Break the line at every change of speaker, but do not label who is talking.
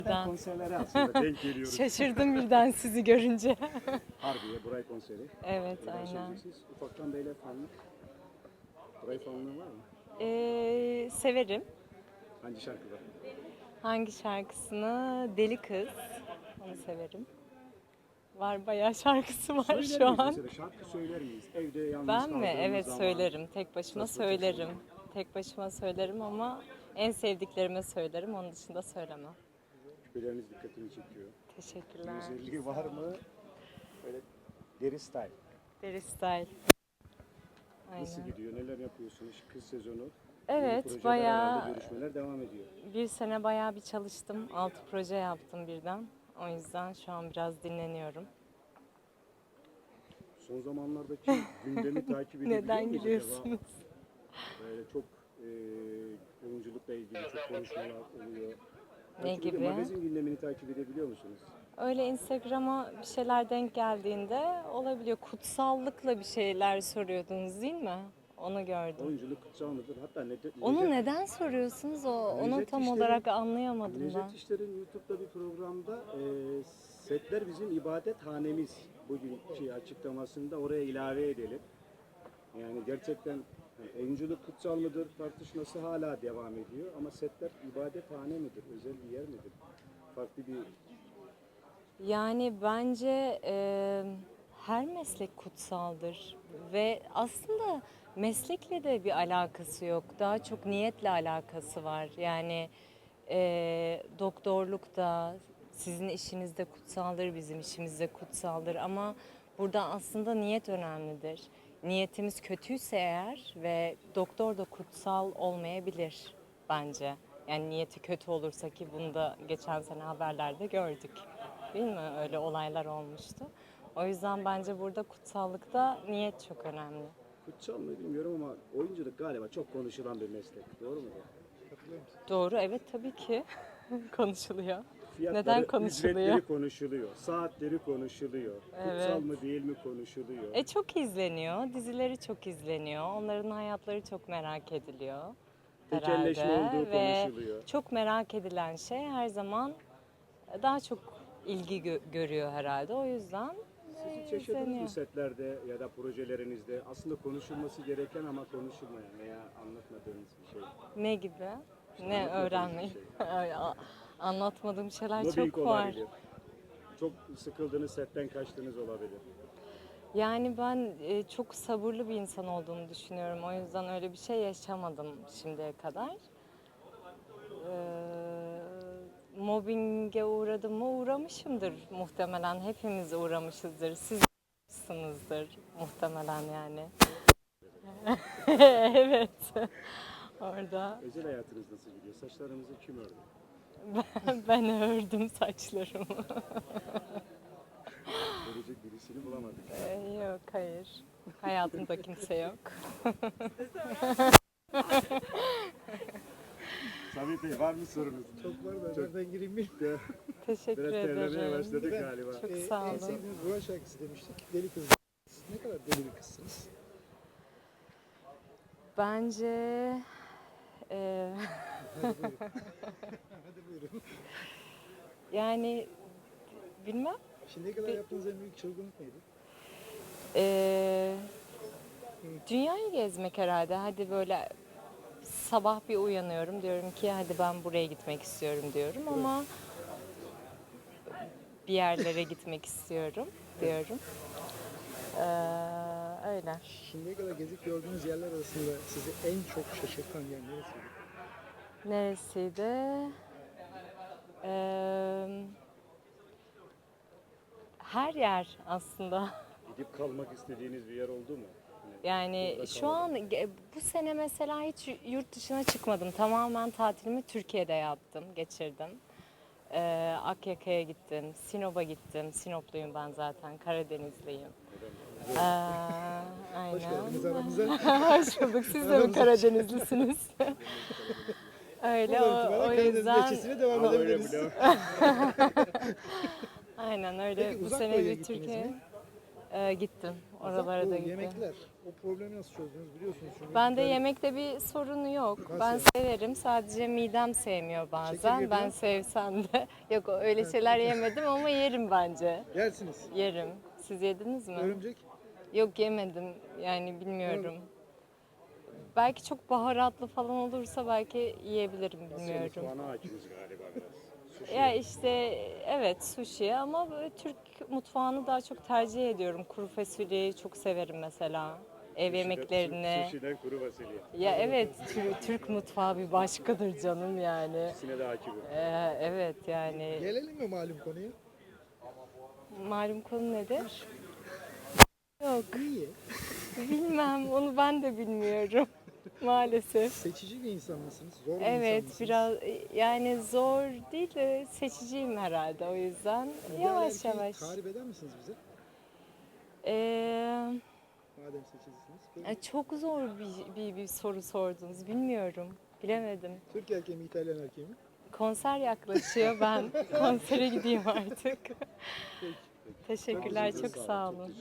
birden.
Konserlere aslında denk geliyoruz.
Şaşırdım birden sizi görünce.
Harbiye, Buray konseri.
Evet,
Neler
aynen.
söyleyeceksiniz? Ufaktan beyler fanlık. Buray fanlığı var mı?
Severim.
Hangi şarkı var?
Hangi şarkısını? Deli Kız. Onu severim. Var, bayağı şarkısı var
Söyler
şu
miyiz
an.
mesela? Şarkı söyler miyiz? Evde yalnız
Ben mi?
kaldığımız
Evet,
zaman.
söylerim. Tek başıma
Saz çok
söylerim.
severim.
Tek başıma söylerim ama en sevdiklerime söylerim. Onun dışında söylemem.
Küpeleriniz dikkatimi çekiyor. Bir
Teşekkürler.
özelliği var mı? Böyle deri style.
Deri Style.
Nasıl
Aynen.
gidiyor? Neler yapıyorsunuz? Kız sezonu.
Evet,
Yeni projeler
bayağı
herhalde, görüşmeler devam ediyor.
bir sene bayağı bir çalıştım. 6 proje yaptım birden. O yüzden şu an biraz dinleniyorum.
Son zamanlardaki gündemi takip edebiliyor
Neden
muyuz
gülüyorsunuz?
acaba? Böyle çok oyunculukla ilgili çok konuşmalar oluyor.
Ne
Takip ediyor-
gibi?
Magazin gündemini takip edebiliyor musunuz?
Öyle Instagram'a bir şeyler denk geldiğinde olabiliyor. Kutsallıkla bir şeyler soruyordunuz değil mi? Onu gördüm.
Oyunculuk kutsal mıdır? Hatta
Onu neden soruyorsunuz? Onu
Necdet
tam
İşler'in-
olarak anlayamadım ben.
Necdet İşler'in YouTube'da bir programda setler bizim ibadethanemiz bugünkü açıklamasında oraya ilave edelim. Yani gerçekten oyunculuk kutsal mıdır tartışması hala devam ediyor ama setler ibadethane midir, özel bir yer midir? Farklı bir
Yani bence her meslek kutsaldır ve aslında meslekle de bir alakası yok. Daha çok niyetle alakası var. Yani doktorluk da sizin işiniz de kutsaldır, bizim işimiz de kutsaldır ama burada aslında niyet önemlidir. Niyetimiz kötüyse eğer ve doktor da kutsal olmayabilir bence. Yani niyeti kötü olursa ki bunu da geçen sene haberlerde gördük. Değil mi? Öyle olaylar olmuştu. O yüzden bence burada kutsallıkta niyet çok önemli.
kutsal mı bilmiyorum ama oyunculuk galiba çok konuşulan bir meslek. Doğru mu?
Doğru, evet tabii ki konuşuluyor.
Fiyatları,
Neden konuşuluyor?
ücretleri konuşuluyor, saatleri konuşuluyor. Kutsal
Evet.
mı değil mi konuşuluyor.
Çok izleniyor, dizileri çok izleniyor. Onların hayatları çok merak ediliyor.
Tekelleşme
Herhalde.
olduğu
Ve
konuşuluyor.
çok merak edilen şey her zaman daha çok ilgi görüyor herhalde. O yüzden
Siz hiç yaşadınız
izleniyor.
mı setlerde ya da projelerinizde aslında konuşulması gereken ama konuşulmayan veya anlatmadığınız bir şey?
Ne gibi? Ne
anlatmadığınız
öğrenmeyi?
bir
Anlatmadığım şeyler
Mobbing
çok var.
olabilir. Çok sıkıldığınız setten kaçtığınız olabilir.
Yani ben çok sabırlı bir insan olduğumu düşünüyorum. O yüzden öyle bir şey yaşamadım şimdiye kadar. Mobbinge uğradım mı? Uğramışımdır muhtemelen. Hepimiz uğramışızdır. Siz uğramışsınızdır muhtemelen yani. Evet. Orada
Özel hayatınız nasıl gidiyor? Saçlarınızı kim ördü?
ben ördüm saçlarımı.
Örecek birisini bulamadık.
Yok, hayır. Hayatımda kimse yok.
Sabit Bey var mı sorunuz?
Çok var da nereden gireyim bilmiyorum.
Teşekkür
Biraz terlemeye
ederim.
başladık galiba.
Çok sağ
En
olun.
sevdiğiniz Burak şarkısı demiştik. Deli kız. Siz ne kadar deli bir kızsınız?
Bence
Hadi buyurun. Hadi buyurun.
yani bilmem.
Şimdiye kadar yaptığınız en büyük çılgınlık neydi?
Ee, Dünyayı gezmek herhalde. Hadi böyle sabah bir uyanıyorum diyorum ki hadi ben buraya gitmek istiyorum diyorum ama bir yerlere gitmek istiyorum diyorum. Öyle.
Şimdiye kadar gezip gördüğünüz yerler arasında sizi en çok şaşırtan yer neresiydi?
Neresiydi? Her yer aslında.
Gidip kalmak istediğiniz bir yer oldu mu?
Yani
burada
şu
kalmadım.
an bu sene mesela hiç yurt dışına çıkmadım. Tamamen tatilimi Türkiye'de yaptım, geçirdim. Akyaka'ya gittim, Sinop'a gittim. Sinopluyum ben zaten, Karadenizliyim.
Hoş geldiniz
Aynen.
aramıza.
Hoş bulduk. Siz de mi Karadenizlisiniz? Öyle
Buradan
o
itibaren Karadeniz
yüzden.
geçişine devam
Ama öyle
edebiliriz.
bile.
Aynen öyle.
Peki
Bu
uzak
sene
doğuya
bir
gittiniz
Türkiye.
mi?
Gittim. Oralara
Bu
da gittim.
yemekler, o problemi nasıl çözdünüz biliyorsunuz. Çünkü
Bende
İtalya-
yemekte bir sorunu yok.
Nasıl
Ben
yani?
severim. Sadece midem sevmiyor bazen.
Çekirge
Ben
falan?
sevsem de. Yok öyle şeyler yemedim ama yerim bence.
Yersiniz.
Yerim. Siz yediniz mi?
Örümcek.
Yok yemedim. Yani bilmiyorum. Belki çok baharatlı falan olursa belki yiyebilirim bilmiyorum.
Mutfağına hakimiz galiba biraz. Sushi.
Ya işte evet sushi ama böyle Türk mutfağını daha çok tercih ediyorum. Kuru fasulyeyi çok severim mesela. Ev yemeklerini.
Sushi'den kuru fasulye.
Ya evet Türk mutfağı bir başkadır canım yani.
İkisine de hakimim.
Evet yani
Gelelim mi malum konuya?
malum konu nedir? Yok
Niye?
bilmem onu ben de bilmiyorum maalesef.
Seçici bir insan mısınız? Zor bir insan
Evet
mısınız?
biraz yani zor değil de seçiciyim herhalde o yüzden
İdeal
yavaş
erkeği
yavaş.
tarif eder misiniz bize?
Ee,
Madem seçicisiniz. Peki.
Çok zor bir soru sordunuz. Bilmiyorum. Bilemedim.
Türk erkeği mi, İtalyan erkeği mi?
Konser yaklaşıyor. Ben konsere gideyim artık.
Peki.
Teşekkürler. Çok sağ olun.